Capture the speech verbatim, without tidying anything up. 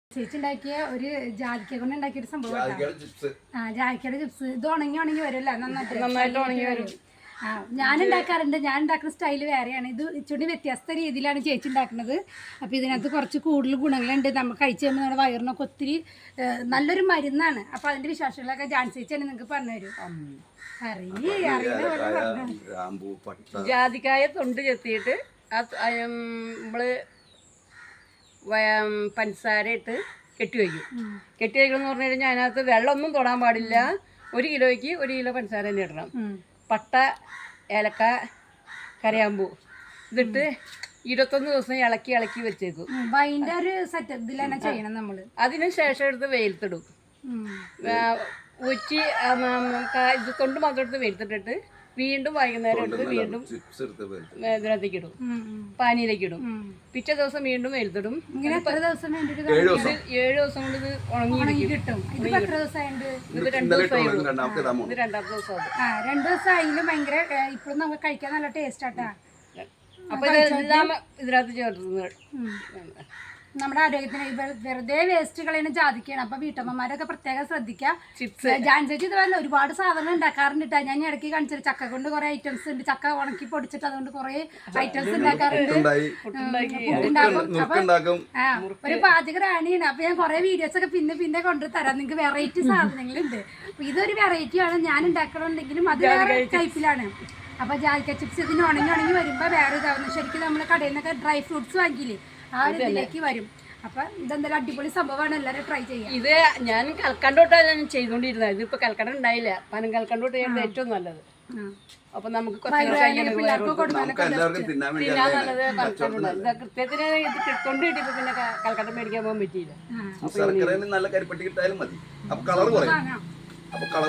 ചേച്ചി ഉണ്ടാക്കിയ ഒരു ജാതിക്ക കൊണ്ട് ഉണ്ടാക്കിയ ഒരു സംഭവം ആ ജാതിക്കയുടെ ചിപ്സ് ഇത് ഉണങ്ങി ഉണങ്ങി വരുമല്ലോ നന്നായിട്ട് നന്നായിട്ട് ഉണങ്ങി വരും. ആ ഞാൻ ഉണ്ടാക്കാറുണ്ട്. ഞാൻ ഉണ്ടാക്കുന്ന സ്റ്റൈല് വേറെയാണ്. ഇത് ഇച്ചിരി വ്യത്യസ്ത രീതിയിലാണ് ചേച്ചി ഉണ്ടാക്കുന്നത്. അപ്പോൾ ഇതിനകത്ത് കുറച്ച് കൂടുതൽ ഗുണങ്ങളുണ്ട്. നമ്മൾ കഴിച്ച് കഴിയുമ്പോൾ നമ്മുടെ വയറിനൊക്കെ ഒത്തിരി നല്ലൊരു മരുന്നാണ്. അപ്പോൾ അതിൻ്റെ വിശേഷങ്ങളൊക്കെ ജാൻ ചേച്ചിയാണ് നിങ്ങൾക്ക് പറഞ്ഞു തരും. ജാതിക്കായ തൊണ്ട് ചെത്തിയിട്ട് നമ്മള് പഞ്ചസാര ഇട്ട് കെട്ടി വയ്ക്കും. കെട്ടി വയ്ക്കണം എന്ന് പറഞ്ഞു കഴിഞ്ഞാൽ അതിനകത്ത് വെള്ളമൊന്നും തൊടാൻ പാടില്ല. ഒരു കിലോയ്ക്ക് ഒരു കിലോ പഞ്ചസാര തന്നെ ഇടണം. പട്ട, ഏലക്ക, കരയാമ്പൂ ഇതിട്ട് ഇരുപത്തൊന്ന് ദിവസം ഇളക്കി ഇളക്കി വെച്ചേക്കും. അതിൻ്റെ ഒരു സെറ്റപ്പ് ഇതിലാണ് ചെയ്യണം നമ്മൾ. അതിന് ശേഷം എടുത്ത് വെയിലത്തിടും. ഉച്ചി ഇത് തൊണ്ട് മാത്രം എടുത്ത് വെയിലത്തിട്ടിട്ട് വീണ്ടും വൈകുന്നേരം എടുത്ത് വീണ്ടും ഇതിനകത്തേക്ക് ഇടും, പാനിയിലേക്ക് ഇടും. പിറ്റേ ദിവസം വീണ്ടും വെയിലത്തിടും. ഏഴ് ദിവസം കൊണ്ട് ഇത് ഉണങ്ങി കിട്ടും. ഇത് രണ്ടു ദിവസമായി ഇത് രണ്ടാമത്തെ ദിവസം രണ്ടു ദിവസം ആയാലും ഭയങ്കര ഇപ്പോഴും നമുക്ക് കഴിക്കാൻ നല്ല ടേസ്റ്റ് ആട്ടാ. അപ്പൊ ഇതെല്ലാം ഇതിനകത്ത് ചേർക്കുന്നത് നമ്മുടെ ആരോഗ്യത്തിന് വെറുതെ വേസ്റ്റ് കളയുന്ന ജാതിക്കാണ്. അപ്പൊ വീട്ടമ്മമാരൊക്കെ പ്രത്യേകം ശ്രദ്ധിക്കുക. ചിപ്സ് ജാൻസേച്ചി ഇതുപോലെ ഒരുപാട് സാധനങ്ങൾ ഉണ്ടാക്കാറുണ്ട്. ഞാൻ ഇടയ്ക്ക് കാണിച്ചത് ചക്ക കൊണ്ട് കുറെ ഐറ്റംസ് ഉണ്ട്. ചക്ക ഉണക്കി പൊടിച്ചിട്ട് അതുകൊണ്ട് കുറെ ഐറ്റംസ് ഉണ്ടാക്കാറുണ്ട്. ഉണ്ടാക്കും. ആ ഒരു പാചക റാണിയാണ്. അപ്പൊ ഞാൻ കുറെ വീഡിയോസ് ഒക്കെ പിന്നെ പിന്നെ കൊണ്ടുതരാം. നിങ്ങൾക്ക് വെറൈറ്റി സാധനങ്ങളുണ്ട്. അപ്പൊ ഇതൊരു വെറൈറ്റിയാണ്. ഞാൻ ഉണ്ടാക്കണമെന്നുണ്ടെങ്കിലും അത് വേറെ ടൈപ്പിലാണ്. അപ്പൊ ജാതിക്ക ചിപ്സ് ഇതിന് ഉണങ്ങി ഉണങ്ങി വരുമ്പോ വേറെ ഇതാവുന്നു. ശരിക്കും നമ്മള് കടയിൽ നിന്നൊക്കെ ഡ്രൈ ഫ്രൂട്ട്സ് വാങ്ങിയില്ലേ ആ ഒരു ഇതിലേക്ക് വരും. അപ്പൊ ഇതെന്തായാലും അടിപൊളി സംഭവമാണ്. എല്ലാവരും ട്രൈ ചെയ്യാം. ഇത് ഞാൻ കൽക്കണ്ടോട്ടാണ് ഞാൻ ചെയ്തോണ്ടിരുന്നത്. ഇതിപ്പോ കൽക്കണ്ടം ഉണ്ടായില്ല. പനം കൽക്കണ്ടോട്ട് ചെയ്യുന്നത് ഏറ്റവും നല്ലത്. അപ്പൊ നമുക്ക് കൃത്യത്തിന് ഇത് കിട്ടുകൊണ്ട് കിട്ടിയപ്പോ പിന്നെ കൽക്കണ്ടം മേടിക്കാൻ പോകാൻ പറ്റിയില്ല. നല്ല കരിപ്പട്ടി കിട്ടായാലും മതി. അപ്പൊ കളർ കുറയും.